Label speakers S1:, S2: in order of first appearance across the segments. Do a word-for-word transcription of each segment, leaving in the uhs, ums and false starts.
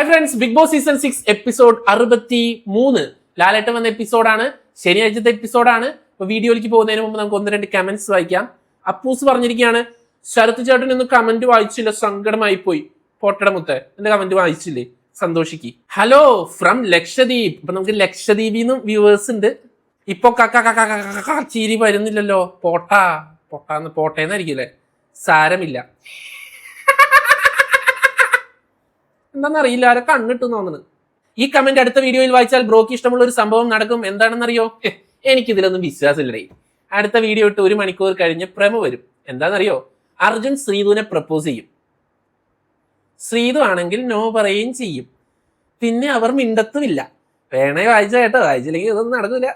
S1: Hi friends, Bigg Boss season six episode അറുപത്തി മൂന്ന് ലാലേട്ടൻ വന്ന എപ്പിസോഡാണ്. ശനിയാഴ്ചത്തെ എപ്പിസോഡാണ്. ഇപ്പൊ വീഡിയോയിലേക്ക് പോകുന്നതിന് മുമ്പ് നമുക്ക് ഒന്ന് രണ്ട് കമന്റ്സ് വായിക്കാം. അപ്പൂസ് പറഞ്ഞിരിക്കുകയാണ്, ശരത് ചേട്ടൻ ഇന്ന് കമന്റ് വായിച്ചില്ല, സങ്കടമായി പോയി. പോട്ടടമുത്ത് എന്റെ കമന്റ് വായിച്ചില്ലേ, സന്തോഷിക്ക്. Hello from Lakshadweep. ഇപ്പൊ നമുക്ക് ലക്ഷദ്വീപിൽ നിന്നും വ്യൂവേഴ്സ് ഉണ്ട്. ഇപ്പൊ കക്ക ചീരി വരുന്നില്ലല്ലോ. പോട്ടാ പൊട്ടാന്ന് പോട്ടേന്നായിരിക്കില്ലേ, സാരമില്ല. എന്താണെന്നറിയില്ല, ആരെ കണ്ണിട്ട് തോന്നുന്നത്. ഈ കമന്റ് അടുത്ത വീഡിയോയിൽ വായിച്ചാൽ ബ്രോക്ക് ഇഷ്ടമുള്ള ഒരു സംഭവം നടക്കും. എന്താണെന്നറിയോ? എനിക്കിതിലൊന്നും വിശ്വാസമില്ലേ. അടുത്ത വീഡിയോ ഇട്ട് ഒരു മണിക്കൂർ കഴിഞ്ഞ് പ്രമോ വരും. എന്താണെന്നറിയോ? അർജുൻ ശ്രീധുവിനെ പ്രപ്പോസ് ചെയ്യും. ശ്രീധു ആണെങ്കിൽ നോ പറയുകയും ചെയ്യും. പിന്നെ അവർ മിണ്ടത്തുമില്ല. വേണേ വായിച്ച കേട്ടോ, വായിച്ചില്ലെങ്കിൽ ഇതൊന്നും നടക്കില്ല.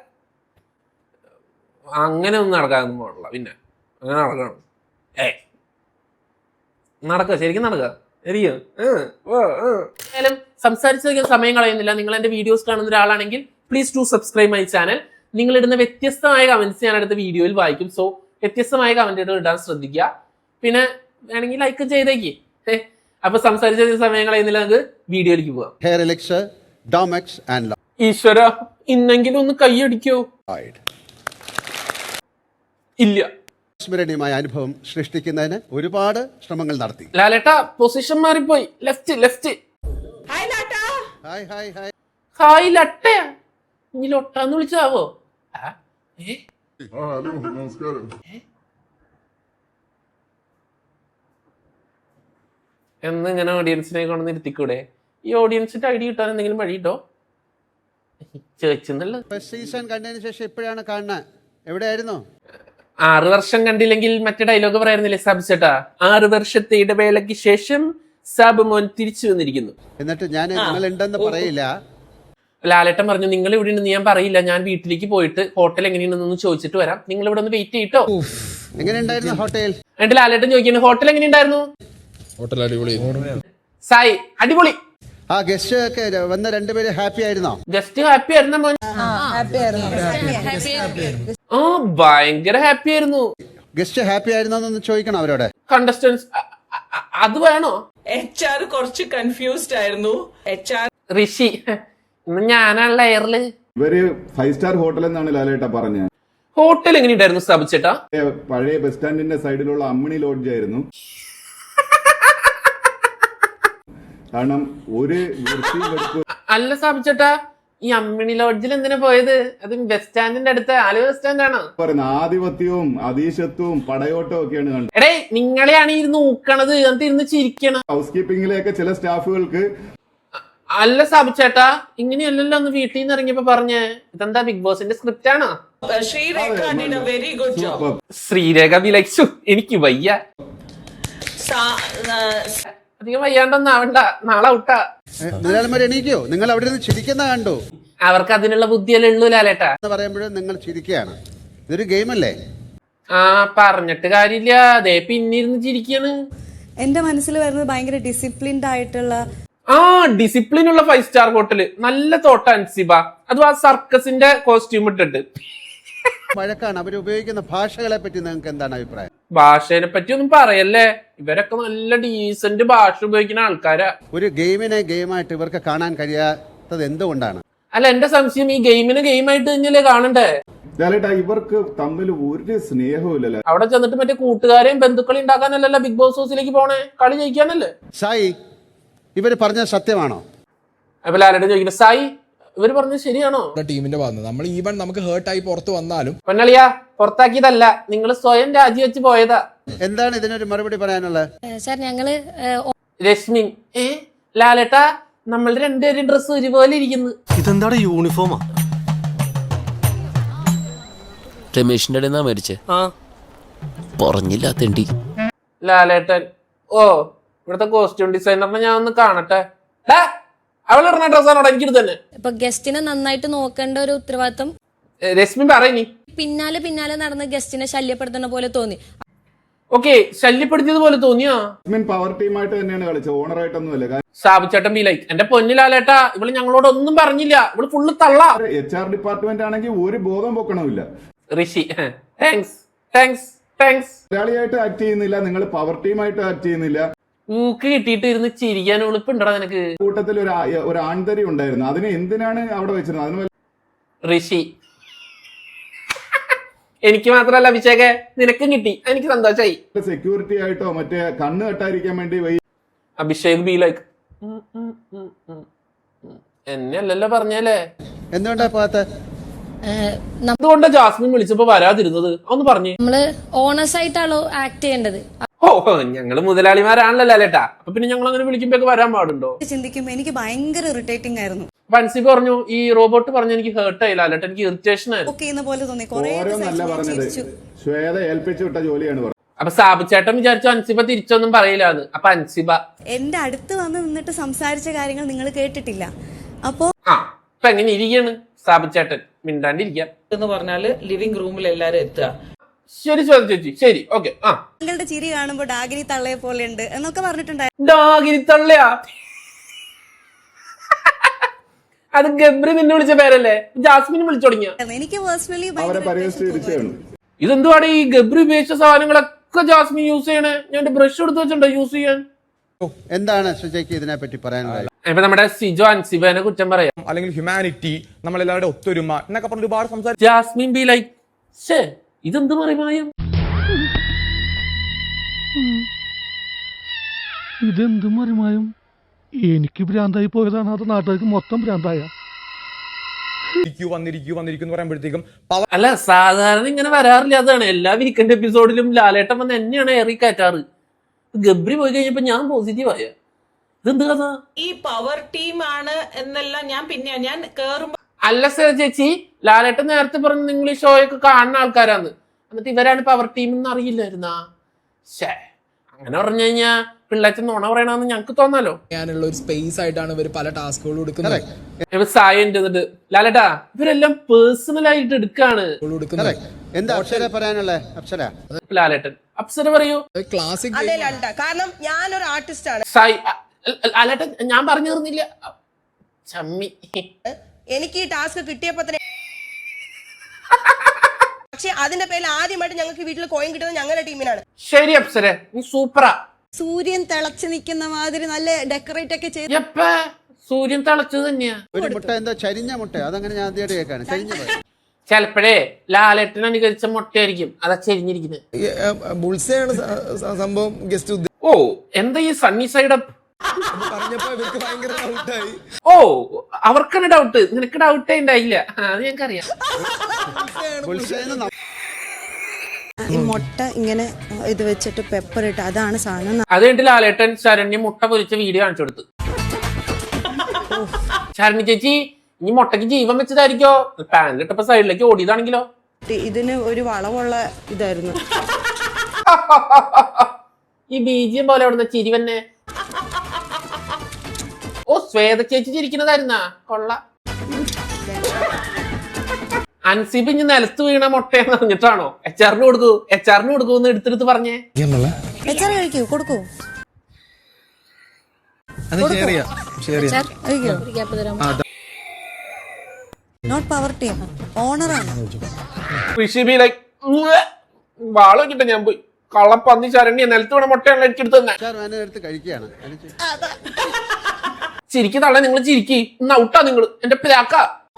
S1: അങ്ങനെ ഒന്നും നടക്കാനൊന്നും പാടില്ല. പിന്നെ അങ്ങനെ നടക്കണം. ഏ നടക്കുക, ശരിക്കും നടക്കുക. ഏതായാലും സംസാരിച്ച സമയം കളയുന്നില്ല. നിങ്ങൾ എന്റെ വീഡിയോസ് കാണുന്ന ഒരാളാണെങ്കിൽ please to subscribe my channel. നിങ്ങൾ ഇടുന്ന വ്യത്യസ്തമായ കമന്റ്സ് ഞാൻ അടുത്ത വീഡിയോയിൽ വായിക്കും. സോ വ്യത്യസ്തമായ കമന്റുകൾ ഇടാൻ ശ്രദ്ധിക്കുക. പിന്നെ വേണമെങ്കിൽ ലൈക്ക് ചെയ്തേക്ക്. അപ്പൊ സംസാരിച്ച സമയം കളയുന്നില്ല, നമുക്ക് വീഡിയോയിലേക്ക് പോവാം. ഈശ്വര, ഇന്നെങ്കിലും ഒന്ന് കൈയടിക്കോ? ഇല്ല.
S2: സ്മരണീയമായ അനുഭവം സൃഷ്ടിക്കുന്നതിന് ഒരുപാട് ശ്രമങ്ങൾ നടത്തി.
S1: ലാലേട്ടാ പൊസിഷൻ മാറിപ്പോയി. Left left.
S2: Hi hi hi
S1: hi ലട്ടയാ. ഇനി ലൊട്ടാന്ന് വിളിച്ചാവോ? എന്ന് ഇങ്ങനെ ഓഡിയൻസിനെ കൊണ്ടു ഇരുത്തിക്കൂടെ? ഈ ഓഡിയൻസിന്റെ ഐഡിയ കിട്ടാൻ എന്തെങ്കിലും വഴി കിട്ടോ? ചേച്ചെന്നുള്ളത്
S2: സീസൺ കണ്ടതിന് ശേഷം ഇപ്പോഴാണ് കാണുന്നത്. എവിടെയായിരുന്നു?
S1: ആറ് വർഷം കണ്ടില്ലെങ്കിൽ മറ്റേ ഡയലോഗ് പറയായിരുന്നില്ലേ സാബ് ചേട്ടാ? ആറ് വർഷത്തെ ഇടവേളയ്ക്ക് ശേഷം സാബ് മോൻ തിരിച്ചു വന്നിരിക്കുന്നു.
S2: എന്നിട്ട് ഞാൻ നിങ്ങൾ ഉണ്ടെന്ന് പറയില്ല.
S1: ലാലേട്ടൻ പറഞ്ഞു, നിങ്ങൾ ഇവിടെ ഉണ്ടെന്ന് ഞാൻ പറയില്ല. ഞാൻ വീട്ടിലേക്ക് പോയിട്ട് ഹോട്ടൽ എങ്ങനെയുണ്ടെന്ന് ചോദിച്ചിട്ട് വരാം. നിങ്ങൾ ഇവിടെ ഒന്ന് വെയിറ്റ് ചെയ്തിട്ടോ.
S2: എങ്ങനെയുണ്ടായിരുന്നു ഹോട്ടൽ?
S1: എന്നിട്ട് ലാലേട്ടൻ ചോദിക്കുന്നു, ഹോട്ടൽ എങ്ങനെയുണ്ടായിരുന്നു?
S3: ഹോട്ടൽ അടിപൊളി.
S1: സായി അടിപൊളി.
S2: ആ ഗസ്റ്റ് ഒക്കെ വന്ന രണ്ടുപേര് ഹാപ്പി ആയിരുന്നോ?
S1: ഗസ്റ്റ് ഹാപ്പി ആയിരുന്ന മോൻ? ഓ ഭയങ്കര ഹാപ്പി ആയിരുന്നു.
S2: ഗസ്റ്റ് ഹാപ്പി ആയിരുന്നോന്ന് ചോദിക്കണം അവരോട്.
S1: കണ്ടസ്റ്റൻസ് അത് വേണോ?
S4: എച്ച് ആർ കുറച്ച് കൺഫ്യൂസ്ഡ് ആയിരുന്നു. എച്ച് ആർ
S1: ഋഷി ഇന്ന് ഞാനാണല്ലോ എയറില്.
S5: ഇവര് ഫൈവ് സ്റ്റാർ ഹോട്ടൽ എന്നാണ് ലാലേട്ട പറഞ്ഞത്.
S1: ഹോട്ടൽ എങ്ങനെയുണ്ടായിരുന്നു സാബിച്ചേട്ടാ?
S5: പഴയ ബസ് സ്റ്റാൻഡിന്റെ സൈഡിലുള്ള അമ്മിണി ലോഡ്ജ് ആയിരുന്നു. കാരണം ഒരു
S1: അല്ല സാബിച്ചേട്ടാ, ഈ അമ്മിണി ലോഡ്ജിൽ എന്തിനാ പോയത്? അത് ബസ് സ്റ്റാൻഡിന്റെ അടുത്ത്, ആലുവ ബസ് സ്റ്റാൻഡ് ആണോ?
S5: ആധിപത്യവും അതീശത്വവും പടയോട്ടവും ഒക്കെയാണ് കണ്ടത്.
S1: എടേ നിങ്ങളെയാണ് ഇരുന്ന് ഊക്കണത്, എന്നിട്ട് ഇരുന്ന് ചിരിക്കണം.
S5: ഹൗസ് കീപ്പിംഗിലെയൊക്കെ ചില സ്റ്റാഫുകൾക്ക്.
S1: അല്ല സാബിച്ചേട്ടാ, ഇങ്ങനെയല്ലല്ലോ ഒന്ന് വീട്ടിൽ നിന്ന് ഇറങ്ങിയപ്പോ പറഞ്ഞേ. ഇതെന്താ ബിഗ് ബോസിന്റെ സ്ക്രിപ്റ്റ് ആണോ?
S4: Sreerekha did a very good job.
S1: Sreerekha വിലയിച്ചു. എനിക്ക് വയ്യ, അധികം വയ്യാണ്ടൊന്നും ആവണ്ട, നാളെ ഔട്ടാ.
S2: എണീക്കോ? നിങ്ങൾ അവിടെ നിന്ന് ചിരിക്കുന്ന കണ്ടു.
S1: അവർക്ക് അതിനുള്ള ബുദ്ധിയല്ലേ ഉള്ളൂ ലാലേട്ടാ.
S2: പറയുമ്പോഴും നിങ്ങൾ ചിരിക്കുകയാണ്. ഇതൊരു ഗെയിം അല്ലേ?
S1: ആ പറഞ്ഞിട്ട് കാര്യമില്ല, അതേ പിന്നിരുന്ന് ചിരിക്കാണ്.
S6: എന്റെ മനസ്സിൽ വരുന്നത് ഭയങ്കര ഡിസിപ്ലിൻഡ് ആയിട്ടുള്ള
S1: ആ ഡിസിപ്ലിൻ ഉള്ള ഫൈവ് സ്റ്റാർ ഹോട്ടല്. നല്ല തോട്ട അൻസിബ. അതും ആ സർക്കസിന്റെ കോസ്റ്റ്യൂം ഇട്ടിട്ട്.
S2: വഴക്കാണ്. അവർ ഉപയോഗിക്കുന്ന ഭാഷകളെ പറ്റി നിങ്ങൾക്ക് എന്താണ് അഭിപ്രായം?
S1: ഭാഷയെ പറ്റി ഒന്നും പറയല്ലേ, ഇവരൊക്കെ നല്ല ഡീസന്റ് ഭാഷ ഉപയോഗിക്കുന്ന ആൾക്കാരാ.
S2: ഒരു ഗെയിമിനെ ഗെയിമായിട്ട് ഇവർക്ക് കാണാൻ കഴിയാത്തത് എന്തുകൊണ്ടാണ്?
S1: അല്ല, എന്റെ സംശയം ഈ ഗെയിമിനെ ഗെയിമായിട്ട് തന്നെയല്ലേ കാണണ്ടേ?
S5: ഇവർക്ക് തമ്മിൽ ഒരു സ്നേഹവും.
S1: അവിടെ ചെന്നിട്ട് മറ്റേ കൂട്ടുകാരെയും ബന്ധുക്കളെയും ഉണ്ടാക്കാനല്ലല്ലോ ബിഗ് ബോസ് ഹൗസിലേക്ക് പോണേ, കളി ജയിക്കാനല്ലേ.
S2: സായി, ഇവര് പറഞ്ഞത് സത്യമാണോ?
S1: അപ്പൊ ലാലേട്ടൻ ചോദിക്കുന്നത്, സായി ഇവര് പറഞ്ഞത് ശരിയാണോ?
S3: ടീമിന്റെ ഭാഗത്ത് നമ്മൾ ഈവൻ നമുക്ക് ഹേർട്ടായി പുറത്ത് വന്നാലും
S1: പൊന്നളിയാ, പുറത്താക്കിയതല്ല, നിങ്ങൾ സ്വയം രാജിവെച്ച് പോയതാ.
S2: എന്താണ് ഇതിനൊരു മറുപടി പറയാനുള്ളത്?
S6: സാർ ഞങ്ങള്
S1: രശ്മി ഏ ലാലേട്ടാ, നമ്മൾ രണ്ടുപേരും ഡ്രസ് ഒരുപോലെ ഇരിക്കുന്നു.
S7: ഇതെന്താ യൂണിഫോമാ?
S8: രമേശിന്റെ ഇടയിൽ നിന്നാ മരിച്ചേ. പറഞ്ഞില്ല തെണ്ടി.
S1: ലാലേട്ടൻ, ഓ ഇവിടുത്തെ കോസ്റ്റ്യൂം ഡിസൈനറിനെ ഞാൻ ഒന്ന് കാണട്ടെ. അവളിടുന്ന ഡ്രസ്സാണോടെ എനിക്കിത് തന്നെ.
S6: ഇപ്പൊ ഗസ്റ്റിനെ നന്നായിട്ട് നോക്കേണ്ട ഒരു ഉത്തരവാദിത്വം
S1: രശ്മി പറയനി.
S6: പിന്നാലെ പിന്നാലെ നടന്ന് ഗസ്റ്റിനെ ശല്യപ്പെടുത്തുന്ന പോലെ തോന്നി.
S1: ഓക്കെ, ശല്യപ്പെടുത്തിയത് പോലെ തോന്നിയോ?
S5: പവർ ടീമായിട്ട് തന്നെയാണ് കളിച്ചത്, ഓണറായിട്ടൊന്നും അല്ല.
S1: ഷാബുച്ചേട്ടൻ ബി ലൈക്ക്, എന്റെ പൊന്നിലാലേട്ടാ, ഇവള് ഞങ്ങളോട് ഒന്നും പറഞ്ഞില്ല, ഇവള് ഫുള്ള് തള്ള.
S5: എച്ച് ആർ ഡിപ്പാർട്ട്മെന്റ് ആണെങ്കിൽ ഒരു ബോധം പൊക്കണമില്ല.
S1: Rishi thanks thanks thanks.
S5: മലയാളിയായിട്ട് ആക്ട് ചെയ്യുന്നില്ല, നിങ്ങൾ പവർ ടീമായിട്ട് ആക്ട് ചെയ്യുന്നില്ല.
S1: ഊക്ക് കിട്ടിയിട്ട് ഇരുന്ന് ചിരിക്കാൻ ഉളുപ്പുണ്ടടാ നിനക്ക്.
S5: കൂട്ടത്തിൽ ഒരു ആ- ഒരു ആൺതരി ഉണ്ടായിരുന്നു. അതിനെ എന്തിനാണ് അവിടെ വെച്ചിരുന്നത്? അതിന്
S1: ഋഷി. എനിക്ക് മാത്രല്ല അഭിഷേകെ, നിനക്കും കിട്ടി, എനിക്ക് സന്തോഷായി.
S5: സെക്യൂരിറ്റി ആയിട്ടോ മറ്റേ കണ്ണ് കെട്ടാതിരിക്കാൻ വേണ്ടി വൈ-
S1: അഭിഷേക് ബി ലൈക്ക് എന്നെ അല്ലല്ലോ പറഞ്ഞല്ലേ.
S2: എന്തുകൊണ്ടാ പോകാത്ത?
S1: അതുകൊണ്ടാ ജാസ്മിൻ വിളിച്ചപ്പോ വരാതിരുന്നത്. ഒന്ന് പറഞ്ഞു.
S7: നമ്മള് ഓണേഴ്സ് ആയിട്ടാണോ ആക്ട് ചെയ്യേണ്ടത്?
S1: ഓ ഞങ്ങള് മുതലാളിമാരാണല്ലോ ലാലേട്ടാ, അപ്പൊ പിന്നെ ഞങ്ങൾ അങ്ങനെ വിളിക്കുമ്പോ വരാൻ പാടുണ്ടോ?
S6: ചിന്തിക്കുമ്പോ എനിക്ക് ഭയങ്കര ഇറിറ്റേറ്റിംഗ് ആയിരുന്നു.
S1: അപ്പൊ അൻസിബ് പറഞ്ഞു, ഈ റോബോട്ട് പറഞ്ഞു എനിക്ക് ഹേർട്ട് ആയി ലാലേട്ട, എനിക്ക് ഇറിറ്റേഷൻ ആയിരുന്നു.
S6: ഓക്കെ എന്ന പോലെ തോന്നി. കുറെ
S5: ഓരോന്നല്ല പറഞ്ഞത്, ശ്വേത ഏൽപ്പിച്ചു വിട്ട ജോലിയാണ് പറഞ്ഞത്.
S1: അപ്പൊ സാബുച്ചേട്ടൻ വിചാരിച്ചു അൻസിബ തിരിച്ചൊന്നും പറയില്ലാന്ന്. അപ്പൊ അൻസിബ
S6: എന്റെ അടുത്ത് വന്ന് നിന്നിട്ട് സംസാരിച്ച കാര്യങ്ങൾ നിങ്ങൾ കേട്ടിട്ടില്ല. അപ്പോ
S1: ആ ഇപ്പൊ എങ്ങനെ ഇരിക്കാണ് സാബുച്ചേട്ടൻ? മിണ്ടാണ്ടിരിക്കാം
S4: എന്ന് പറഞ്ഞാല് ലിവിംഗ് റൂമിൽ എല്ലാരും എത്തുക.
S1: ശരി ശ്വേത ചേച്ചി, ശരി ഓക്കെ. ആ
S6: നിങ്ങളുടെ ചിരി കാണുമ്പോ ഡാഗിനി തള്ളയെ പോലെ ഉണ്ട് എന്നൊക്കെ പറഞ്ഞിട്ടുണ്ടായിരുന്നു.
S1: ഡാഗിരിത്തള്ളയാ? അത് ഗബ്രി നിന്നെ വിളിച്ച പേരല്ലേ? ജാസ്മിൻ വിളിച്ചു തുടങ്ങിയ.
S6: എനിക്ക് പേഴ്സണലി
S5: അവരെ പരിഹസിച്ച് തിരിച്ചാണ്.
S1: ഇതെന്തുവാണ് ഈ ഗബ്രി ഉപയോഗിച്ച സാധനങ്ങളൊക്കെ ജാസ്മിൻ യൂസ് ചെയ്യണേ? ഞാൻ ബ്രഷ് എടുത്ത് വെച്ചിട്ടുണ്ടോ യൂസ് ചെയ്യാൻ?
S2: എന്താണ് സുജയ്ക്ക് ഇതിനെ പറ്റി പറയാനുള്ളത്?
S1: ഇപ്പൊ നമ്മുടെ സിജോ അൻസിബേനെ കുറ്റം പറയാം,
S9: അല്ലെങ്കിൽ ഹ്യൂമാനിറ്റി, നമ്മളെല്ലാവരുടെ ഒത്തൊരുമ എന്നൊക്കെ പറഞ്ഞ് ഒരുപാട് സംസാരിച്ചു.
S1: ജാസ്മിൻ ബി ലൈക്ക് ശേ ഇതെന്ത് പറയുമായും?
S10: ഇതെന്ത് മറിമായും? എനിക്ക് ഭ്രാന്തായി പോയതാണ്, അത് നാട്ടുകാർക്ക് മൊത്തം ഭ്രാന്തായ.
S9: വന്നിരിക്കൂ വന്നിരിക്കൂ എന്ന് പറയുമ്പോഴത്തേക്കും
S1: അല്ല സാധാരണ ഇങ്ങനെ വരാറില്ല. അതാണ് എല്ലാ വീക്കെൻഡ് എപ്പിസോഡിലും ലാലേട്ടൻ വന്ന് എന്നെയാണ് ഏറി കയറ്റാറ്. ഗബ്രി പോയി കഴിഞ്ഞപ്പോ ഞാൻ പോസിറ്റീവ് ആയ. ഇതെന്ത് കഥ?
S4: ഈ പവർ ടീം ആണ് എന്നെല്ലാം ഞാൻ പിന്നെ ഞാൻ കേറുമ്പോ
S1: അല്ല സർ ചേച്ചി, ലാലേട്ടൻ നേരത്തെ പറഞ്ഞു നിങ്ങൾ ഈ ഷോയൊക്കെ കാണുന്ന ആൾക്കാരാന്ന്, എന്നിട്ട് ഇവരാണ് പവർ ടീം എന്ന് അറിയില്ലായിരുന്നാ? ശേ അങ്ങനെ പറഞ്ഞു കഴിഞ്ഞാ പിള്ളേച്ചൻ നുണ പറയണമെന്ന് ഞങ്ങക്ക് തോന്നാലോ.
S3: ഞാനുള്ള ഒരു സ്പേസ് ആയിട്ടാണ് ഇവർ പല ടാസ്കുകളും എടുക്കുന്നത്.
S1: സായ എന്നിട്ട് ലാലേട്ടാ ഇവരെല്ലാം പേഴ്സണൽ ആയിട്ട് എടുക്കാണ്.
S2: എന്താ അപ്സര പറയാനുള്ളേ? അപ്സര
S1: ലാലേട്ടൻ അപ്സര പറയൂ.
S3: ക്ലാസിക്
S4: കാരണം ഞാനൊരു ആർട്ടിസ്റ്റ് ആണ്.
S1: സായി ലാലേട്ടൻ ഞാൻ പറഞ്ഞു തീർന്നില്ല. ചമ്മി.
S4: എനിക്ക് ഈ ടാസ്ക് കിട്ടിയപ്പോ തന്നെ പക്ഷെ അതിന്റെ പേരിൽ ആദ്യമായിട്ട് ഞങ്ങൾക്ക് വീട്ടിൽ കോയിൻ കിട്ടുന്നത് ഞങ്ങളുടെ ടീമിനാണ്.
S1: ശരി അപ്സര, നീ സൂപ്പറാ.
S6: സൂര്യൻ തിളച്ചു നിൽക്കുന്ന മാതിരി നല്ല ഡെക്കറേറ്റ് ഒക്കെ ചെയ്ത്
S1: എപ്പ സൂര്യൻ തിളച്ചത് തന്നെയാ.
S2: ഒരു മുട്ട എന്താ ചരിഞ്ഞ മുട്ട? അതങ്ങനെ ഞാൻ ആദ്യമായിട്ട് കേൾക്കാണ്. ചരിഞ്ഞ മുട്ട.
S1: ചെലപ്പോഴേ ലാലേട്ടൻ അനുകരിച്ച മുട്ടയായിരിക്കും അതാ ചെരിഞ്ഞിരിക്കുന്നത്.
S3: ബുൾസയാണ് സംഭവം. ഗസ്റ്റ്
S1: ഓ എന്താ ഈ സണ്ണി സൈഡ് അപ്പ്
S3: പറഞ്ഞപ്പോ ഇവർക്ക് ഭയങ്കര ഡൗട്ടായി.
S1: ഓ അവർക്കാണ് ഡൗട്ട്, നിനക്ക് ഡൗട്ടേ ഉണ്ടായില്ല. അത് ഞങ്ങൾക്കറിയാം.
S6: ഈ മുട്ട ഇങ്ങനെ ഇത് വെച്ചിട്ട് പെപ്പർ ഇട്ട് അതാണ് സാധനം.
S1: അത് കഴിഞ്ഞിട്ട് ലാലേട്ടൻ ശരണ്യ മുട്ട പൊരിച്ച വീഡിയോ കാണിച്ചു കൊടുത്തു. ശരണ്യ ചേച്ചി ഇനി മുട്ടയ്ക്ക് ജീവൻ വെച്ചതായിരിക്കോ? പാനിലിട്ടപ്പോ സൈഡിലേക്ക് ഓടിയതാണെങ്കിലോ?
S6: ഇതിന് ഒരു വളവുള്ള ഇതായിരുന്നു.
S1: ഈ ബീജിയം പോലെ അവിടുന്ന് ചിരി തന്നെ. ഓ ശ്വേത ചേച്ചി ചിരിക്കുന്നതായിരുന്നാ? കൊള്ള. അൻസിബ് ഇനി നിലത്ത് വീണ മുട്ടയെന്ന് അറിഞ്ഞിട്ടാണോ എച്ച് ആറിന് കൊടുക്കൂ എച്ച് ആറിന് കൊടുക്കൂ എന്ന് എടുത്തെടുത്ത് പറഞ്ഞേ?
S6: കഴിക്കൂ, കൊടുക്കൂ. നോട്ട് പവർ ടീം, ഓണറാണ്.
S1: ഋഷി ലൈക്ക് വാള വെച്ചിട്ട് ഞാൻ പോയി കള്ളപ്പന്നി ശരണ്യ നിലത്ത് വീണ മുട്ടയാണല്ലോ എനിക്ക് എടുത്ത് തന്നെ.
S2: എടുത്ത് കഴിക്കുകയാണ്.
S1: ചിരിക്ക് തള്ള, നിങ്ങൾ ചിരിക്കി ഇന്ന് ഔട്ടാ നിങ്ങൾ എന്റെ പിതാക്ക.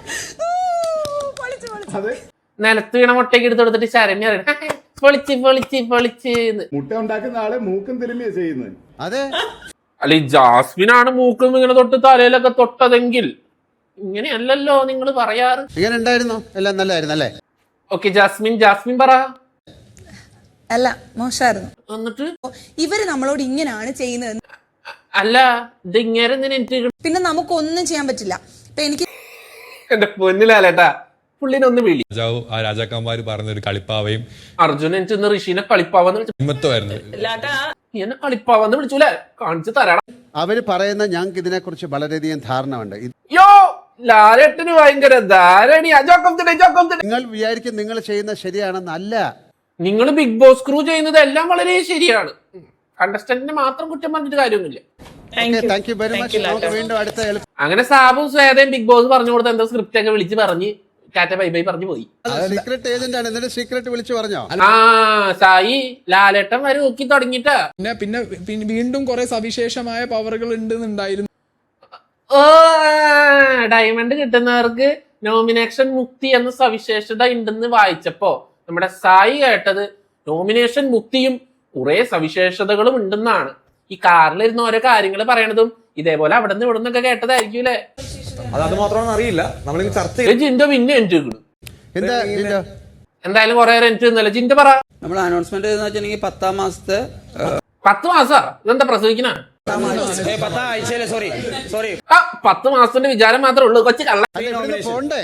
S1: നിലത്ത് വീണ മുട്ടയ്ക്ക് എടുത്ത് കൊടുത്തിട്ട് ശരണ്യ പൊളിച്ച് പൊളിച്ച് പൊളിച്ച്.
S5: മുട്ട ഉണ്ടാക്കുന്ന ആള് മൂക്കും തിരുമ്മിയാ ചെയ്യുന്നത്.
S2: അതെ.
S1: അല്ല ഈ ജാസ്മിനാണ് മൂക്കും ഇങ്ങനെ തൊട്ട് തലയിലൊക്കെ തൊട്ടതെങ്കിൽ ഇങ്ങനെയല്ലല്ലോ നിങ്ങൾ പറയാറ്.
S2: ഇങ്ങനെ ഉണ്ടായിരുന്നോ? എല്ലാം നല്ലായിരുന്നു അല്ലേ?
S1: ഓക്കെ ജാസ്മിൻ ജാസ്മിൻ പറ.
S6: അല്ല മോശമായിരുന്നു.
S1: എന്നിട്ട്
S6: ഇവര് നമ്മളോട് ഇങ്ങനെയാണ് ചെയ്യുന്നത്.
S1: അല്ല ഇത് ഇങ്ങനെ എനിക്ക്
S6: പിന്നെ നമുക്കൊന്നും ചെയ്യാൻ പറ്റില്ല. ഇപ്പൊ എനിക്ക്
S1: എന്റെ പൊന്നിലാലേട്ടാ പുള്ളിനെ ഒന്ന് വിളി.
S9: രാജാവ് ആ രാജാക്കന്മാര് പറഞ്ഞൊരു കളിപ്പാവയും
S1: അർജുനൻ ചെന്ന് ഋഷിനെ കളിപ്പാവന്ന് വിളിച്ചു.
S9: ഹിമത്വമായിരുന്നു.
S1: എന്നെ കളിപ്പാവന്ന് വിളിച്ചൂലേ? കാണിച്ചു തരണം.
S2: അവര് പറയുന്ന ഞങ്ങൾക്ക് ഇതിനെ കുറിച്ച് വളരെയധികം ധാരണ ഉണ്ട്.
S1: യോ ലാലേട്ടന് ഭയങ്കര ധാരണ.
S2: നിങ്ങൾ വിചാരിക്കും നിങ്ങൾ ചെയ്യുന്നത് ശരിയാണെന്നല്ല.
S1: നിങ്ങൾ ബിഗ് ബോസ് ക്രൂ ചെയ്യുന്നത് എല്ലാം വളരെ ശരിയാണ്. കണ്ടസ്റ്റന്റിനെ മാത്രം കുറ്റം പറഞ്ഞിട്ട് കാര്യമൊന്നുമില്ല.
S2: Thank you very much. നമുക്ക് വീണ്ടും അടുത്ത
S1: അങ്ങനെ സാബും സ്വേതയും ബിഗ് ബോസ് പറഞ്ഞു കൊടുത്ത എന്തോ സ്ക്രിപ്റ്റ് ഒക്കെ വിളിച്ച് പറഞ്ഞ് ടാറ്റ ബൈ ബൈ പറഞ്ഞു പോയി.
S2: സീക്രട്ട് ഏജന്റ് ആണ്, എന്നിട്ട് സീക്രട്ട് വിളിച്ചു പറഞ്ഞോ?
S1: ആ സായി ലാലേട്ടൻ വരെ നോക്കി തുടങ്ങിട്ടാ.
S3: പിന്നെ പിന്നെ പിന്നെ വീണ്ടും കുറെ സവിശേഷമായ പവറുകൾ ഉണ്ടെന്നുണ്ടായിരുന്നു.
S1: ഓ ഡയമണ്ട് കിട്ടുന്നവർക്ക് നോമിനേഷൻ മുക്തി എന്ന സവിശേഷത ഉണ്ടെന്ന് വായിച്ചപ്പോ നമ്മുടെ സായി കേട്ടത് നോമിനേഷൻ മുക്തിയും കുറെ സവിശേഷതകളും ഉണ്ടെന്നാണ്. ഈ കാറിലിരുന്ന് ഓരോ കാര്യങ്ങൾ പറയണതും ഇതേപോലെ അവിടെ നിന്ന് ഇവിടെ നിന്നൊക്കെ കേട്ടതായിരിക്കൂലേ.
S9: അത് അത് മാത്രമാണ് അറിയില്ല, നമ്മളിത് ചർച്ച
S1: ജിൻഡോ പിന്നെ എൻട്രി
S2: എന്താ ജിൻഡോ?
S1: എന്തായാലും കുറെ എൻട്രി ഒന്നുമല്ല. ജിൻഡോ പറ.
S11: നമ്മൾ അനൗൺസ്മെന്റ് എന്ന് വെച്ചിട്ടുണ്ടെങ്കിൽ പത്താം മാസത്തെ
S1: പത്ത് മാസാ ഇതെന്താ പ്രസവിക്കണ?
S11: സോറി സോറി
S1: ആ പത്ത് മാസത്തിന്റെ വിചാരം മാത്രമേ ഉള്ളൂ കൊച്ചു കള്ള.
S2: പോണ്ടേ?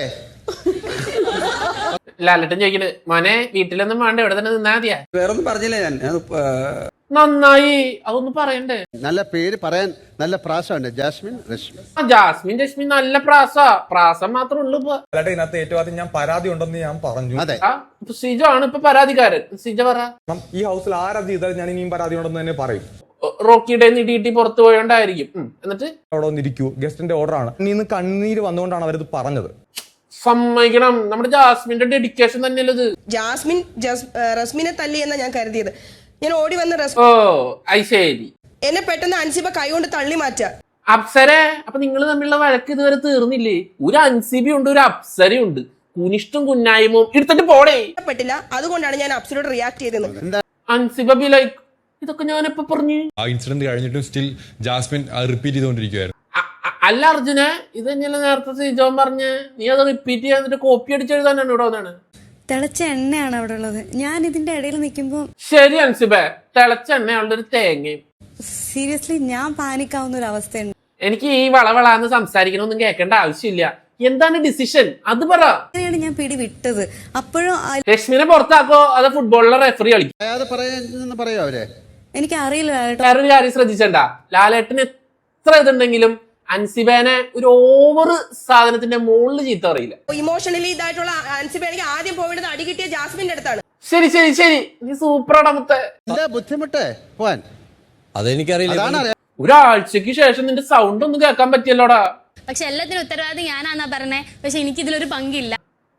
S1: ലാലട്ടൻ ചോദിക്കണ് മോനെ വീട്ടിലൊന്നും വേണ്ട ഇവിടെ തന്നെ നിന്നാ മതിയാ.
S11: വേറൊന്നും പറഞ്ഞില്ല ഞാൻ.
S1: നന്നായി അതൊന്നും പറയണ്ടേ.
S2: നല്ല പേര് പറയാൻ നല്ല പ്രാസമുണ്ട്, ജാസ്മിൻ രശ്മി.
S1: ആ ജാസ്മിൻ രശ്മി നല്ല പ്രാസ പ്രാസം മാത്രമേ ഉള്ളൂ ഇപ്പൊ.
S9: ഇതിനകത്ത് ഏറ്റവും ആദ്യം ഞാൻ പരാതി ഉണ്ടെന്ന് ഞാൻ പറഞ്ഞു.
S2: അതെ,
S1: ആ സിജ ആണ് ഇപ്പൊ പരാതിക്കാരൻ. സിജ പറ.
S9: ഈ ഹൗസിൽ ആരാധി ചെയ്താൽ ഞാൻ ഇനിയും പരാതി ഉണ്ടെന്ന് തന്നെ പറയും.
S1: റോക്കിയുടെ നീട്ടി പുറത്തു പോയോണ്ടായിരിക്കും. എന്നിട്ട്
S9: അവിടെ വന്നിരിക്കൂ, ഗസ്റ്റിന്റെ ഓർഡർ ആണ്. ഇന്ന് കണ്ണീര് വന്നുകൊണ്ടാണ് അവരത് പറഞ്ഞത്.
S1: സമ്മതിക്കണം, നമ്മുടെ ജാസ്മിന്റെ ഡെഡിക്കേഷൻ തന്നെയല്ലേ ഇത്.
S6: ജാസ്മിൻ റസ്മിനെ തല്ലി എന്നാ ഞാൻ കരുതിയത്. ഞാൻ ഓടി വന്ന
S1: ഓ ഐ ശരി.
S6: എന്നെ പെട്ടെന്ന് അൻസിബ കൈകൊണ്ട് തള്ളി മാറ്റാ.
S1: അപ്സര അപ്പൊ നിങ്ങൾ തമ്മിലുള്ള വഴക്ക് ഇതുവരെ തീർന്നില്ലേ? ഒരു അൻസിബി ഉണ്ട്, ഒരു അപ്സരയുണ്ട്. കുനിഷ്ടും കുന്നായ്മയും എടുത്തിട്ട് പോടേ
S6: പറ്റില്ല. അതുകൊണ്ടാണ് ഞാൻ അപ്സരോട് റിയാക്ട് ചെയ്തത്.
S1: അൻസിബ ബി ലൈക്ക് ഇതൊക്കെ ഞാൻ എപ്പോ പറഞ്ഞു?
S12: ആ ഇൻസിഡന്റ് കഴിഞ്ഞിട്ടും സ്റ്റിൽ ജാസ്മിൻ റിപ്പീറ്റ് ചെയ്തുകൊണ്ടിരിക്കുകയായിരുന്നു.
S1: അല്ല അർജുന, ഇത് തന്നെയല്ല നേരത്തെ സിജോൻ പറഞ്ഞ് നീ അത് റിപ്പീറ്റ് ചെയ്യാന്നിട്ട് കോപ്പി അടിച്ചെഴുതാനാണ് ഇവിടെ വന്നാണ്.
S6: തിളച്ച എണ്ണയാണ് അവിടെ ഉള്ളത്. ഞാൻ ഇതിന്റെ ഇടയിൽ നിൽക്കുമ്പോ
S1: ശരി അൻസിബേ, തിളച്ച എണ്ണയുള്ള ഒരു തേങ്ങയും.
S6: സീരിയസ്ലി ഞാൻ പാനിക്കാവുന്ന ഒരു അവസ്ഥയുണ്ട്.
S1: എനിക്ക് ഈ വളവളാന്ന് സംസാരിക്കണമൊന്നും കേൾക്കേണ്ട ആവശ്യമില്ല. എന്താണ് ഡിസിഷൻ അത് പറ.
S6: ഞാൻ പിടി വിട്ടത് അപ്പോഴും
S1: രശ്മിനെ പുറത്താക്കോ അതോ ഫുട്ബോളിലെ റെഫറി കളിക്കും?
S2: പറയാന്ന് പറയോ അവരെ?
S6: എനിക്ക് അറിയില്ല.
S1: വേറൊരു കാര്യം ശ്രദ്ധിച്ചണ്ട, ലാലേട്ടന് എത്ര ഇതുണ്ടെങ്കിലും അൻസിബേനെ ഒരു ഓവർ സാധനത്തിന്റെ മുകളിൽ ചീത്ത അറിയില്ല.
S6: ഇമോഷണലി ഇതായിട്ടുള്ള അൻസിബേനെ ആദ്യം പോയിട്ട് അടി കിട്ടിയ ജാസ്മിന്റെ അടുത്താണ്.
S1: ശരി ശരി ശരി, നീ സൂപ്പറാണ് മുത്തേ.
S2: എന്താ ബുദ്ധിമുട്ട് പോവാൻ?
S11: അതെനിക്കറിയില്ല.
S1: ഒരാഴ്ചക്ക് ശേഷം നിന്റെ സൗണ്ട് ഒന്നും കേൾക്കാൻ പറ്റിയല്ലോടാ.
S7: പക്ഷെ എല്ലാത്തിനും ഉത്തരവാദി ഞാനാന്നാ പറഞ്ഞേ. പക്ഷെ എനിക്ക് ഇതിലൊരു പങ്കില്ല.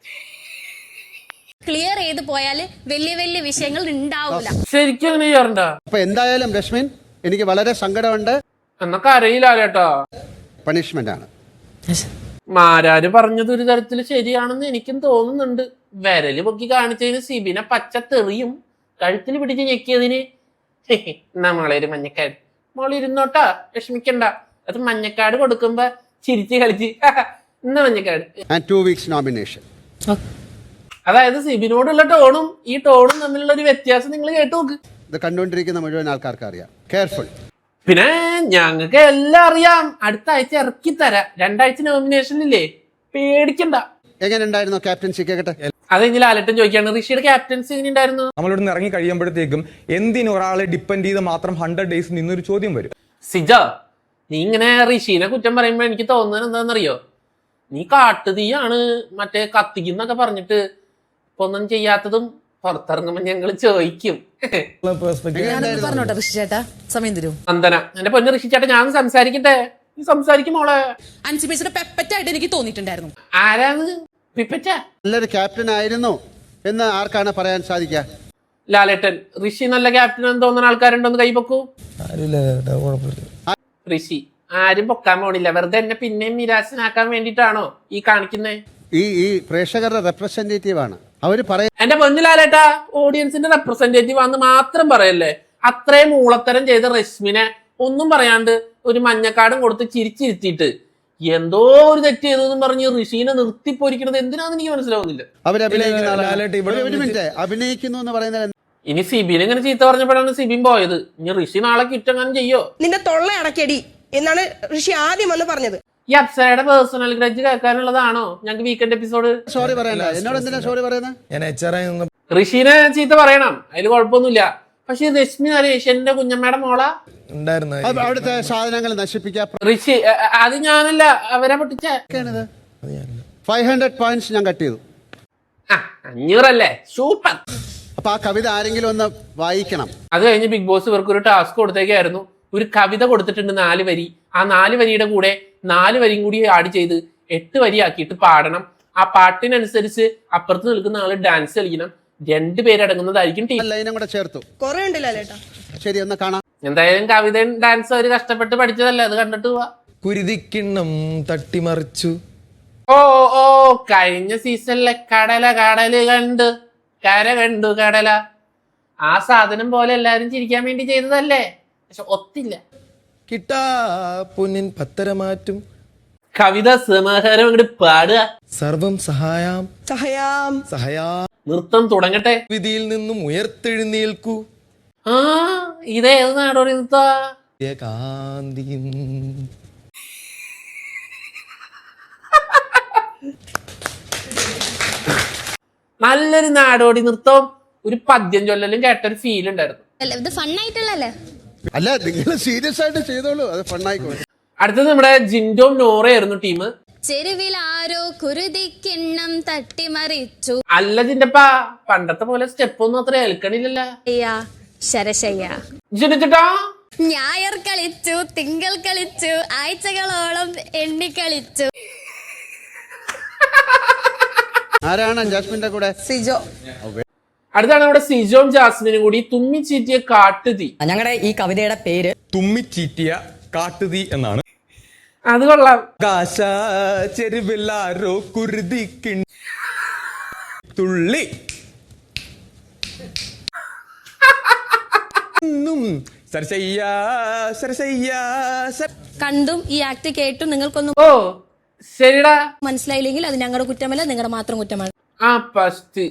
S7: ക്ലിയർ ചെയ്ത് പോയാല് വലിയ വലിയ വിഷയങ്ങൾ ഉണ്ടാവില്ല.
S1: ശരിക്കും അങ്ങനെ ചെയ്യാറുണ്ടാ?
S2: അപ്പൊ എന്തായാലും രശ്മിൻ, എനിക്ക് വളരെ സങ്കടമുണ്ട്.
S1: എന്നൊക്കെ അറിയില്ല കേട്ടോ.
S2: പണിഷ്മെന്റ് ആണ്.
S1: മാരാര് പറഞ്ഞത് ഒരു തരത്തിൽ ശരിയാണെന്ന് എനിക്കും തോന്നുന്നുണ്ട്. വിരല് പൊക്കി കാണിച്ചതിന് സിബിനെ പച്ച തെറിയും, കഴുത്തിൽ പിടിച്ച് ഞെക്കിയതിന് നമ്മളെ ഒരു മഞ്ഞക്കാട്. മോളിരുന്നോട്ടാ, വിഷമിക്കണ്ട. അത് മഞ്ഞക്കാട് കൊടുക്കുമ്പോ ചിരിച്ച് കളിച്ച് ഇന്ന മഞ്ഞക്കാട്.
S2: Two weeks nomination.
S1: അതായത് സിബിനോടുള്ള ടോണും ഈ ടോണും തമ്മിലുള്ള ഒരു വ്യത്യാസം നിങ്ങൾ കേട്ടു നോക്ക്.
S2: ഇത് കണ്ടുകൊണ്ടിരിക്കുന്ന മുഴുവൻ ആൾക്കാർക്ക് അറിയാം. കെയർഫുൾ.
S1: പിന്നെ ഞങ്ങൾക്ക് എല്ലാം അറിയാം. അടുത്ത ആഴ്ച ഇറക്കി തരാം. രണ്ടാഴ്ച നോമിനേഷനില്ലേ, പേടിക്കണ്ട.
S2: എങ്ങനെ ഉണ്ടായിരുന്നു ക്യാപ്റ്റൻസി? കേട്ടെ.
S1: അത് കഴിഞ്ഞ് ലാലേട്ടൻ ചോദിക്കാണ് ഋഷിയുടെ ക്യാപ്റ്റൻസി എങ്ങനെ ഉണ്ടായിരുന്നു?
S9: നമ്മളിവിടെ നിന്ന് ഇറങ്ങി കഴിയുമ്പോഴത്തേക്കും എന്തിന് ഒരാളെ ഡിപ്പെൻഡ് ചെയ്ത് മാത്രം ഹൺഡ്രഡ് ഡേയ്സ് നിന്നൊരു ചോദ്യം വരും.
S1: സിജ, നീ ഇങ്ങനെ ഋഷീനെ കുറ്റം പറയുമ്പോ എനിക്ക് തോന്നുന്നത് എന്താണെന്നറിയോ? നീ കാട്ടുതീയാണ് മറ്റേ കത്തിക്കുന്നൊക്കെ പറഞ്ഞിട്ട് ഇപ്പൊ ഒന്നും ചെയ്യാത്തതും പുറത്തിറങ്ങുമ്പോ ഞങ്ങള് ചോദിക്കും.
S6: പറഞ്ഞോട്ടെ ഋഷി ചേട്ടാ, സമയം തരൂ.
S1: നന്ദന, എന്റെ പൊന്ന് ഋഷി ചേട്ടാ, ഞാൻ സംസാരിക്കട്ടെ? നീ സംസാരിക്കും മോളെ.
S6: അൻസിബേസിയുടെ പെപ്പറ്റായിട്ട് എനിക്ക് തോന്നിയിട്ടുണ്ടായിരുന്നു.
S1: ആരാണ് പിപ്പറ്റ?
S2: നല്ലൊരു ക്യാപ്റ്റൻ ആയിരുന്നു എന്ന് ആർക്കാണ് പറയാൻ സാധിക്കുക?
S1: ലാലേട്ടൻ. ഋഷി നല്ല ക്യാപ്റ്റൻ എന്ന് തോന്നുന്ന ആൾക്കാരുണ്ടോന്ന് കൈപൊക്കൂ. ഋഷി ആരും പൊക്കാൻ പോണില്ല. വെറുതെ എന്നെ പിന്നെയും നിരാശനാക്കാൻ വേണ്ടിട്ടാണോ ഈ കാണിക്കുന്നേ?
S2: ഈ ഈ പ്രേക്ഷകരുടെ റെപ്രസെന്റേറ്റീവ് ആണ് അവര് പറയുന്നത്.
S1: എന്റെ പൊന്നു ലാലേട്ടാ, ഓഡിയൻസിന്റെ റെപ്രസെന്റേറ്റീവ് ആണെന്ന് മാത്രം പറയല്ലേ. അത്രയും മൂളത്തരം ചെയ്ത രശ്മിനെ ഒന്നും പറയാണ്ട് ഒരു മഞ്ഞക്കാടും കൊടുത്ത് ചിരിച്ചിരുത്തിയിട്ട് എന്തോ ഒരു തെറ്റ് ചെയ്തെന്നും പറഞ്ഞ് ഋഷീനെ നിർത്തിപ്പോരിക്കണത് എന്തിനാന്ന് എനിക്ക് മനസ്സിലാവുന്നില്ല.
S2: അവര് അഭിനയിക്കുന്നു എന്ന് പറയുന്നത്.
S1: ഇനി സിബിൻ ഇങ്ങനെ ചീത്ത പറഞ്ഞപ്പോഴാണ് സിബിൻ പോയത്. ഇനി ഋഷി നാളെ കുറ്റം ചെയ്യോ?
S6: നിന്റെ തൊള്ള അടക്കടി എന്നാണ് ഋഷി ആദ്യം വന്ന് പറഞ്ഞത്.
S1: ഈ അപ്സരയുടെ പേഴ്സണൽ ഗ്രഡ്ജ് കേൾക്കാനുള്ളതാണോ ഞങ്ങൾക്ക് വീക്കെൻഡ് എപ്പിസോഡ്?
S2: സോറി പറയണ്ട, എന്നോട് എന്തിനാ സോറി പറയുന്നത്?
S1: ഋഷീനെ ചീത്ത പറയണം, അതിൽ കുഴപ്പമൊന്നുമില്ല. പക്ഷെ രശ്മി നരേഷ് എന്റെ കുഞ്ഞമ്മയുടെ മോള
S2: അവിടുത്തെ സാധനങ്ങൾ നശിപ്പിക്കാൻ
S1: ഋഷി അത് ഞാനല്ല, അവരെ പൊട്ടിച്ച
S2: ഫൈവ് ഹൺഡ്രഡ് പോയിന്റ്സ് ഞാൻ കട്ട് ചെയ്തു.
S1: അഞ്ഞൂറല്ലേ, സൂപ്പർ.
S2: അപ്പൊ ആ കവിത ആരെങ്കിലും ഒന്ന് വായിക്കണം.
S1: അത് കഴിഞ്ഞ് ബിഗ് ബോസ് ഇവർക്ക് ഒരു ടാസ്ക് കൊടുത്തേക്കായിരുന്നു. ഒരു കവിത കൊടുത്തിട്ടുണ്ട്, നാല് വരി. ആ നാല് വരിയുടെ കൂടെ നാല് വരിയും കൂടി ആഡ് ചെയ്ത് എട്ട് വരി ആക്കിയിട്ട് പാടണം. ആ പാട്ടിനനുസരിച്ച് അപ്പുറത്ത് നിൽക്കുന്ന ആള് ഡാൻസ് കളിക്കണം. രണ്ടുപേരടങ്ങുന്നതായിരിക്കും ടീം.
S2: ലൈനും കൂടെ ചേർത്തു.
S6: കൊറേ ഉണ്ടല്ലോ ലേട്ടാ.
S2: ശരി, ഒന്ന് കാണാം.
S1: എന്തായാലും കവിതയും ഡാൻസ് അവര് കഷ്ടപ്പെട്ട് പഠിച്ചതല്ലേ, അത് കണ്ടിട്ട് പോവാ.
S3: കുരുതിക്കിണ്ണം തട്ടിമറിച്ചു.
S1: ഓ ഓ കഴിഞ്ഞ സീസണിലെ കടല കടല് കണ്ട് കര കണ്ടു കടല, ആ സാധനം പോലെ എല്ലാരും ചിരിക്കാൻ വേണ്ടി ചെയ്തതല്ലേ, പക്ഷെ ഒത്തില്ല.
S3: കിട്ടാ പൊന്നിൻ പത്തരമാറ്റും.
S1: കവിത സമാഹാരം അങ്ങോട്ട് പാടുക.
S3: സർവം സഹായാം
S6: സഹയാം
S3: സഹയാ.
S1: നൃത്തം തുടങ്ങട്ടെ.
S3: വിധിയിൽ നിന്നും ഉയർത്തെഴുന്നേൽക്കൂ.
S1: ആ ഇതേത് നാടോടി നൃത്ത?
S3: കാന്തിയും
S1: നല്ലൊരു നാടോടി നൃത്തം, ഒരു പദ്യം ചൊല്ലലും കേട്ടൊരു ഫീൽ ഉണ്ടായിരുന്നു.
S7: ഇത് ഫണ്ണായിട്ടുള്ളല്ലേ?
S2: അല്ല, നിങ്ങൾ സീരിയസ് ആയിട്ട് ചെയ്തോളൂ, അത് ഫണ്ണായിക്കോ.
S1: അടുത്തത് നമ്മുടെ ജിൻഡോം നോറയായിരുന്നു ടീം.
S7: ചെരുവിൽ ആരോ കുരുതിക്കിണ്ണം തട്ടിമറിച്ചു.
S1: അല്ല ജിൻഡപ്പ, പണ്ടത്തെ പോലെ സ്റ്റെപ്പ് ഒന്നും അത്ര ഏൽക്കണില്ലല്ലോ.
S7: ശരശയ്യ
S1: ജിൻഡോ
S7: ഞായർ കളിച്ചു, തിങ്കൾ കളിച്ചു, ആഴ്ചകളോളം എണ്ണി കളിച്ചു.
S2: ആരാണ് ജാസ്മിന്റെ കൂടെ?
S6: സിജോ.
S1: അടുത്താണ് നമ്മുടെ സിജോം ജാസ്മിനും കൂടി തുമ്മി ചീറ്റിയ കാട്ടുതീ.
S6: ഞങ്ങളുടെ ഈ കവിതയുടെ പേര്
S9: തുമ്മിച്ചീറ്റിയ കാട്ടുതീ എന്നാണ്.
S1: അത് കൊള്ളാം.
S9: ആകാശ ചെരുവിലാരോ കുരുതിക്കിൺ തുള്ളി സരസയ്യ സരസയ്യ സര-
S7: കണ്ടും ഈ ആക്ട് കേട്ടും നിങ്ങൾക്കൊന്നും
S1: ഓ ശരിടാ.
S7: മനസ്സിലായില്ലെങ്കിൽ അത് ഞങ്ങളുടെ കുറ്റമല്ല, നിങ്ങളുടെ മാത്രം കുറ്റമാണ്.
S1: ആ ഫസ്റ്റ്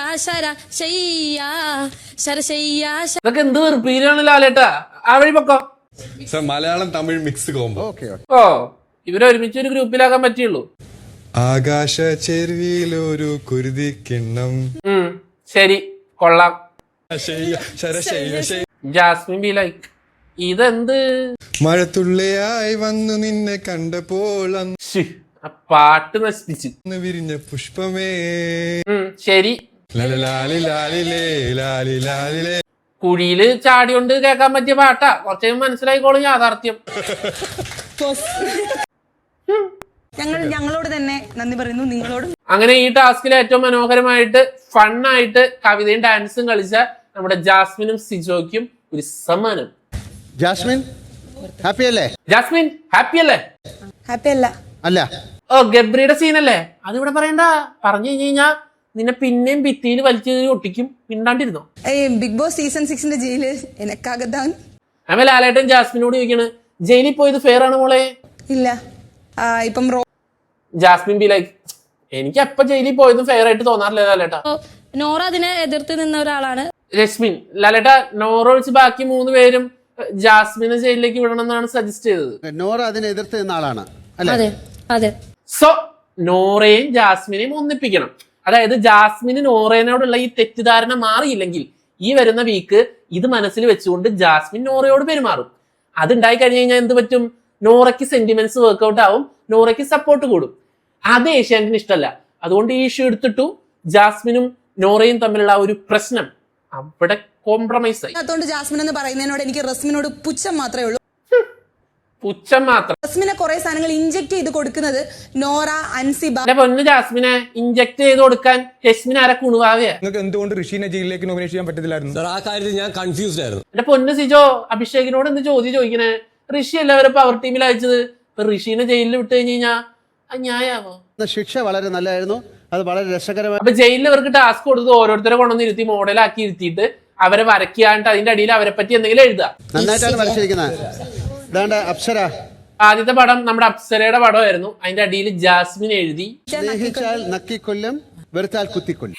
S1: ഇതൊക്കെ എന്ത് വെറുപ്പീരാണ് ലാലേട്ടാ. ആ വഴി പൊക്കോ.
S12: Sir Malayalam Tamil mix combo.
S2: Okay okay.
S1: ഓ ഇവരെ ഒരുമിച്ച് ഒരു ഗ്രൂപ്പിലാക്കാൻ പറ്റിയുള്ളൂ.
S12: ആകാശ ചെരുവിലൊരു കുരുതിക്കിണ്ണം.
S1: ഉം ശരി, കൊള്ളാം.
S12: ശയ്യ, ശരശയ്യ, ശയ്യ.
S1: ജാസ്മിൻ ബി ലൈക്ക് ഇതെന്ത്
S12: മഴത്തുള്ളിയായി വന്നു നിന്നെ കണ്ടപ്പോൾ
S1: ശ്ശി, ആ പാട്ട് നശിപ്പിച്ച്.
S12: അന്ന് വിരിഞ്ഞ പുഷ്പമേ.
S1: ഉം ശരി.
S12: ലലലാലി ലാലിലേ ലാലി ലാലിലേ.
S1: കുഴിയില് ചാടിയോണ്ട് കേൾക്കാൻ പറ്റിയ പാട്ടാ. കുറച്ച് മനസ്സിലായിക്കോളും യാഥാർത്ഥ്യം.
S6: ഞങ്ങൾ ഞങ്ങളോട് തന്നെ നന്ദി പറയുന്നു, നിങ്ങളോട്.
S1: അങ്ങനെ ഈ ടാസ്കിൽ ഏറ്റവും മനോഹരമായിട്ട് ഫണ്ണായിട്ട് കവിതയും ഡാൻസും കളിച്ച നമ്മുടെ ജാസ്മിനും സിജോയ്ക്കും ഒരു സമ്മാനം.
S2: ജാസ്മിൻ ഹാപ്പി അല്ലേ?
S1: ജാസ്മിൻ ഹാപ്പി അല്ലേ?
S6: ഹാപ്പി അല്ല.
S2: അല്ല.
S1: ഓ ഗബ്രിയുടെ സീനല്ലേ, അതിവിടെ പറയണ്ട. പറഞ്ഞു കഴിഞ്ഞു കഴിഞ്ഞാ നിന്നെ പിന്നെയും ഭിത്തിയിൽ വലിച്ചു ഒട്ടിക്കും. പിണ്ടാണ്ടിരുന്നോ?
S6: ബിഗ് ബോസ് സീസൺ സിക്സിന്റെ ജയില് എനക്കാകത്താൻ.
S1: അമ്മ ലാലേട്ടൻ ജാസ്മിനോട് ചോദിക്കണ്, ജയിലിൽ പോയത് ഫെയർ ആണ് മോളെ?
S6: ഇല്ല. ഇപ്പം
S1: ജാസ്മിൻ ബി ലൈക്ക്, എനിക്ക് എപ്പ ജയിലിൽ പോയതും ഫെയർ ആയിട്ട് തോന്നാറില്ല ലാലേട്ടാ.
S7: നോറ അതിനെ എതിർത്ത് നിന്ന ഒരാളാണ്.
S1: രശ്മിൻ ലാലേട്ടാ, നോറ ഒഴിച്ച് ബാക്കി മൂന്ന് പേരും ജാസ്മിനെ ജയിലിലേക്ക് വിടണം എന്നാണ് സജസ്റ്റ് ചെയ്തത്.
S2: നോറ അതിനെ എതിർത്ത് നിന്ന ആളാണ് അല്ലേ?
S7: അതെ അതെ.
S1: സോ നോറയും ജാസ്മിനെയും ഒന്നിപ്പിക്കണം. അതായത് ജാസ്മിന് നോറേനോടുള്ള ഈ തെറ്റിദ്ധാരണ മാറിയില്ലെങ്കിൽ ഈ വരുന്ന വീക്ക് ഇത് മനസ്സിൽ വെച്ചുകൊണ്ട് ജാസ്മിൻ നോറയോട് പെരുമാറും. അതുണ്ടായി കഴിഞ്ഞു കഴിഞ്ഞാൽ എന്ത് പറ്റും? നോറയ്ക്ക് സെന്റിമെന്റ്സ് വർക്ക്ഔട്ട് ആവും, നോറയ്ക്ക് സപ്പോർട്ട് കൂടും. അത് ഏഷ്യാനെറ്റിന് ഇഷ്ടമല്ല. അതുകൊണ്ട് ഈ ഇഷ്യൂ എടുത്തിട്ടു ജാസ്മിനും നോറയും തമ്മിലുള്ള ഒരു പ്രശ്നം അവിടെ കോംപ്രമൈസ് ആയി.
S6: അതുകൊണ്ട് ജാസ്മിൻ എന്ന് പറയുന്നതിനോട് എനിക്ക് റസ്മിനോട് പുച്ഛം മാത്രമേ ഉള്ളൂ.
S1: പുച്ഛം മാത്രം.
S6: റസ്മിനെ കുറെ സാധനങ്ങൾ ഇഞ്ചെക്ട് ചെയ്ത് കൊടുക്കുന്നത് നോറ, അൻസിബ.
S1: എന്റെ പൊന്ന് ജാസ്മിനെ ഇഞ്ചക്ട് ചെയ്ത് കൊടുക്കാൻ രശ്മിൻ ആരെ കുണുവാവയാ?
S9: നിങ്ങൾക്ക് എന്തുകൊണ്ട് ഋഷീനെ ജയിലിലേക്ക് നോമിനേറ്റ് ചെയ്യാൻ പറ്റത്തില്ലായിരുന്നു?
S11: ആ കാര്യത്തിൽ ഞാൻ കൺഫ്യൂസ്ഡ് ആയിരുന്നു.
S1: എന്റെ പൊന്ന് സിജോ, അഭിഷേകിനോട് എന്ത് ചോദ്യം ചോദിക്കണേ? ഋഷി എല്ലാവരും പവർ ടീമിൽ അയച്ചത്. ഇപ്പൊ ഋഷീനെ ജയിലിൽ വിട്ട് കഴിഞ്ഞ് കഴിഞ്ഞാ അത് ന്യായാവോ?
S2: ശിക്ഷ വളരെ നല്ലതായിരുന്നു, അത് വളരെ രസകരമായി.
S1: അപ്പൊ ജയിലിൽ അവർക്ക് ടാസ്ക് കൊടുത്ത് ഓരോരുത്തരെ കൊണ്ടുവന്ന് ഇരുത്തി മോഡലാക്കി ഇരുത്തിയിട്ട് അവരെ വരയ്ക്കാണ്ട് അതിന്റെ അടിയിൽ അവരെ പറ്റി എന്തെങ്കിലും എഴുതുക.
S2: നന്നായിട്ടാണ് വരച്ചിരിക്കുന്നത്. ഇതാണ്ട് അപ്സര.
S1: ആദ്യത്തെ പടം നമ്മുടെ അപ്സരയുടെ പടമായിരുന്നു. അതിന്റെ അടിയിൽ ജാസ്മിൻ എഴുതി,
S2: സ്നേഹിച്ചാൽ നക്കിക്കൊല്ലും, വെറുത്താൽ കുത്തിക്കൊല്ലും.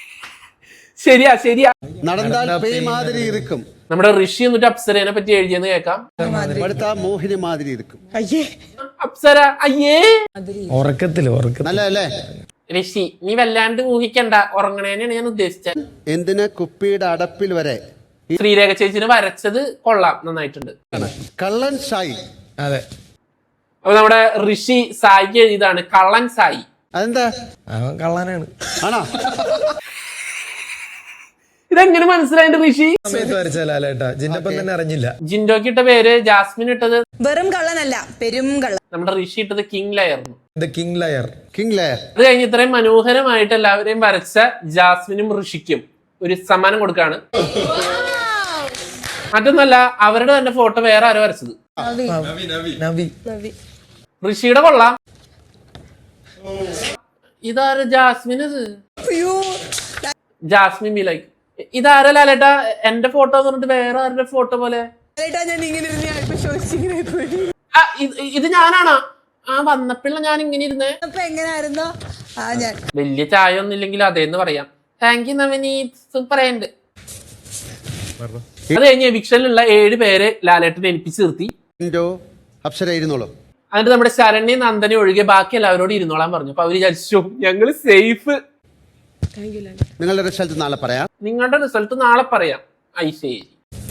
S1: ശരിയാ ശരിയാ.
S2: നടന്നാൽ പേയ് മാതിരി ഇരിക്കും.
S1: നമ്മുടെ ഋഷി എന്നിട്ട് അപ്സരേനെ പറ്റി എഴുതിയെന്ന് കേൾക്കാം.
S2: വെറുത്താ മോഹിനി മാതിരി ഇരിക്കും.
S1: അപ്സര അയ്യേ
S3: ഉറക്കത്തില് ഉറക്കത്തിൽ
S2: നല്ലതല്ലേ?
S1: ഋഷി നീ വല്ലാണ്ട് ഊഹിക്കണ്ട, ഉറങ്ങണേനാണ് ഞാൻ ഉദ്ദേശിച്ചത്.
S2: എന്തിന് കുപ്പിയുടെ അടപ്പിൽ വരെ
S1: ശ്രീരേഖ ചേച്ചിന് വരച്ചത് കൊള്ളാം, നന്നായിട്ടുണ്ട്.
S2: കള്ളൻ സായി.
S3: അതെ.
S1: അപ്പൊ നമ്മുടെ ഋഷി സായിക്ക് എഴുതിയതാണ് കള്ളൻ സായി.
S2: അതെന്താ?
S3: കള്ളനാണ്.
S2: ആണോ?
S1: ഇതെങ്ങനെ മനസ്സിലായിട്ട് ഋഷി?
S3: സമയത്ത് വരച്ച ലാലേട്ടാ, ജിന്നപ്പം തന്നെ അറിഞ്ഞില്ല.
S1: ജിൻഡോക്ക് ഇട്ട പേര്, ജാസ്മിൻ ഇട്ടത്
S6: വെറും കള്ളനല്ല, പെരും കള്ളൻ.
S1: നമ്മുടെ ഋഷി ഇട്ടത് കിങ് ലായിരുന്നു.
S3: The king layer.
S2: King layer.
S1: അത് കഴിഞ്ഞ് ഇത്രയും മനോഹരമായിട്ട് എല്ലാവരെയും വരച്ച ജാസ്മിനും ഋഷിക്കും ഒരു സമ്മാനം കൊടുക്കാണ്. മറ്റൊന്നല്ല, അവരുടെ തന്നെ ഫോട്ടോ വേറെ ആരോ വരച്ചത്. ഋഷിയുടെ കൊള്ളാം. ഇതാര ജാസ്മിൻ? ഇത് ജാസ്മിൻ ബി ലൈക്ക് ഇതാരോ ലാലേട്ടാ എന്റെ ഫോട്ടോ എന്ന് പറഞ്ഞിട്ട് വേറെ ആരുടെ ഫോട്ടോ പോലെ. ഇത് ഞാനാണോ? ആ വന്നപ്പോഴ ഞാൻ ഇങ്ങനെ ഇരുന്നേ. വലിയ ചായ ഒന്നും ഇല്ലെങ്കിൽ അതേന്ന് പറയാം. താങ്ക് യു നവനീത്, സൂപ്പറായിട്ടുണ്ട്. അത് കഴിഞ്ഞ് എവിക്ഷനിലുള്ള ഏഴ് പേര് ലാലേട്ടനെ ഏൽപ്പിച്ച് നിർത്തി.
S2: അപ്സര ഇരുന്നോളൂ.
S1: എന്നിട്ട് നമ്മുടെ ശരണ്യ നന്ദനെ ഒഴികെ ബാക്കി എല്ലാവരോടും ഇരുന്നോളാൻ പറഞ്ഞു. അപ്പൊ അവര് വിചാരിച്ചു ഞങ്ങള് സേഫ്.
S2: നിങ്ങളുടെ റിസൾട്ട് നാളെ പറയാം.
S1: നിങ്ങളുടെ റിസൾട്ട് നാളെ പറയാം. ഐശേരി.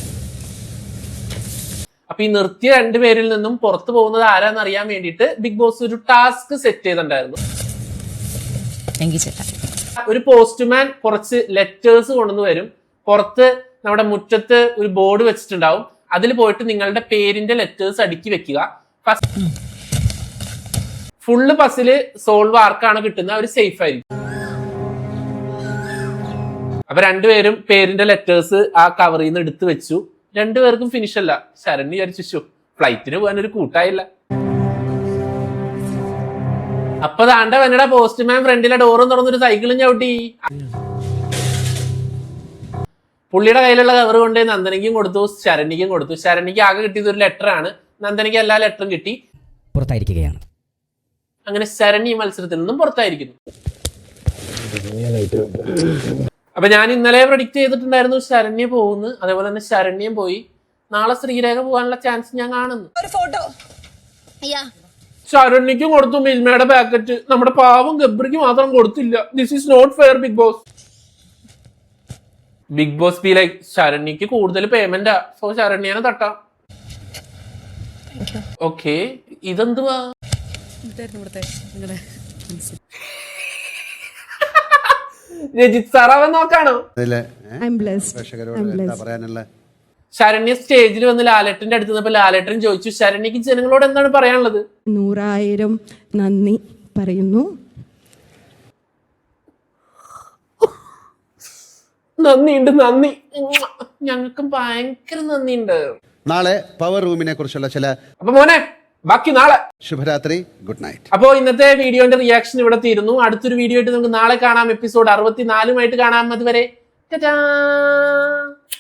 S1: അപ്പൊ ഈ നിർത്തിയ രണ്ടുപേരിൽ നിന്നും പുറത്തു പോകുന്നത് ആരാന്ന് അറിയാൻ വേണ്ടിയിട്ട് ബിഗ് ബോസ് ഒരു ടാസ്ക് സെറ്റ് ചെയ്തിട്ടുണ്ടായിരുന്നു. ഒരു പോസ്റ്റ്മാൻ കുറച്ച് ലെറ്റേഴ്സ് കൊണ്ടുവന്ന് വരും. പുറത്ത് നമ്മുടെ മുറ്റത്ത് ഒരു ബോർഡ് വെച്ചിട്ടുണ്ടാവും. അതിൽ പോയിട്ട് നിങ്ങളുടെ പേരിന്റെ ലെറ്റേഴ്സ് അടുക്കി വെക്കുക. ഫുള്ള് പസില് സോൾവ് ആർക്കാണ് കിട്ടുന്നത് അവർ സേഫ് ആയിരിക്കും. അപ്പൊ രണ്ടുപേരും പേരിന്റെ ലെറ്റേഴ്സ് ആ കവറിൽ നിന്ന് എടുത്തു വെച്ചു. രണ്ടുപേർക്കും ഫിനിഷ് അല്ല. ശരണ്യ വിചാരിച്ചു ഫ്ലൈറ്റിന് പോകാൻ ഒരു കൂട്ടായില്ല. അപ്പൊ താണ്ട വന്നട പോസ്റ്റ്മാൻ ഫ്രണ്ടിലെ ഡോറും തുറന്നൊരു സൈക്കിളും ചവിട്ടി. പുള്ളിയുടെ കയ്യിലുള്ള കവർ കൊണ്ട് നന്ദനയ്ക്കും കൊടുത്തു, ശരണ്യക്കും കൊടുത്തു. ശരണ്യക്ക് ആകെ കിട്ടിയത് ഒരു ലെറ്റർ ആണ്. നന്ദനയ്ക്ക് എല്ലാ ലെറ്ററും കിട്ടി.
S8: പുറത്തായിരിക്കുകയാണ്.
S1: അങ്ങനെ ശരണ്യ മത്സരത്തിൽ നിന്നും പുറത്തായിരിക്കുന്നു. അപ്പൊ ഞാൻ ഇന്നലെ പ്രഡിക്റ്റ് ചെയ്തിട്ടുണ്ടായിരുന്നു ശരണ്യ പോകുന്നു. അതേപോലെ തന്നെ ശരണ്യം പോയി. നാളെ ശ്രീരേഖ പോകാനുള്ള ചാൻസ് ഞാൻ കാണുന്നു. ശരണ്യക്കും കൊടുത്തു മിൽമയുടെ പാക്കറ്റ്. നമ്മുടെ പാവം ഗബ്രിക്ക് മാത്രം കൊടുത്തില്ല. This is not fair Bigg Boss. Bigg Boss be like ശരണ്യക്ക് കൂടുതൽ പേയ്മെന്റാ, സോ ശരണ്യനെ തട്ടാം. ഓക്കെ, ഇതെന്തുവാ? രജിത് സാറാവൻ നോക്കാണോ? ശരണ്യ സ്റ്റേജിൽ വന്ന് ലാലേട്ടന്റെ അടുത്ത് നിന്നപ്പോ ലാലേട്ടൻ ചോദിച്ചു ശരണ്യക്ക് ജനങ്ങളോട് എന്താണ് പറയാനുള്ളത്?
S6: നൂറായിരം നന്ദി പറയുന്നു.
S1: നന്ദിയുണ്ട്, നന്ദി. ഞങ്ങൾക്കും ഭയങ്കര നന്ദിയുണ്ട്.
S2: നാളെ പവർ റൂമിനെ കുറിച്ചുള്ള ചില
S1: അപ്പൊ മോനെ ബാക്കി നാളെ.
S2: ശുഭരാത്രി, ഗുഡ് നൈറ്റ്.
S1: അപ്പോ ഇന്നത്തെ വീഡിയോന്റെ റിയാക്ഷൻ ഇവിടെ തീരുന്നു. അടുത്തൊരു വീഡിയോ ആയിട്ട് നമുക്ക് നാളെ കാണാം. എപ്പിസോഡ് അറുപത്തിനാലുമായിട്ട് കാണാം. അതുവരെ ടാറ്റാ.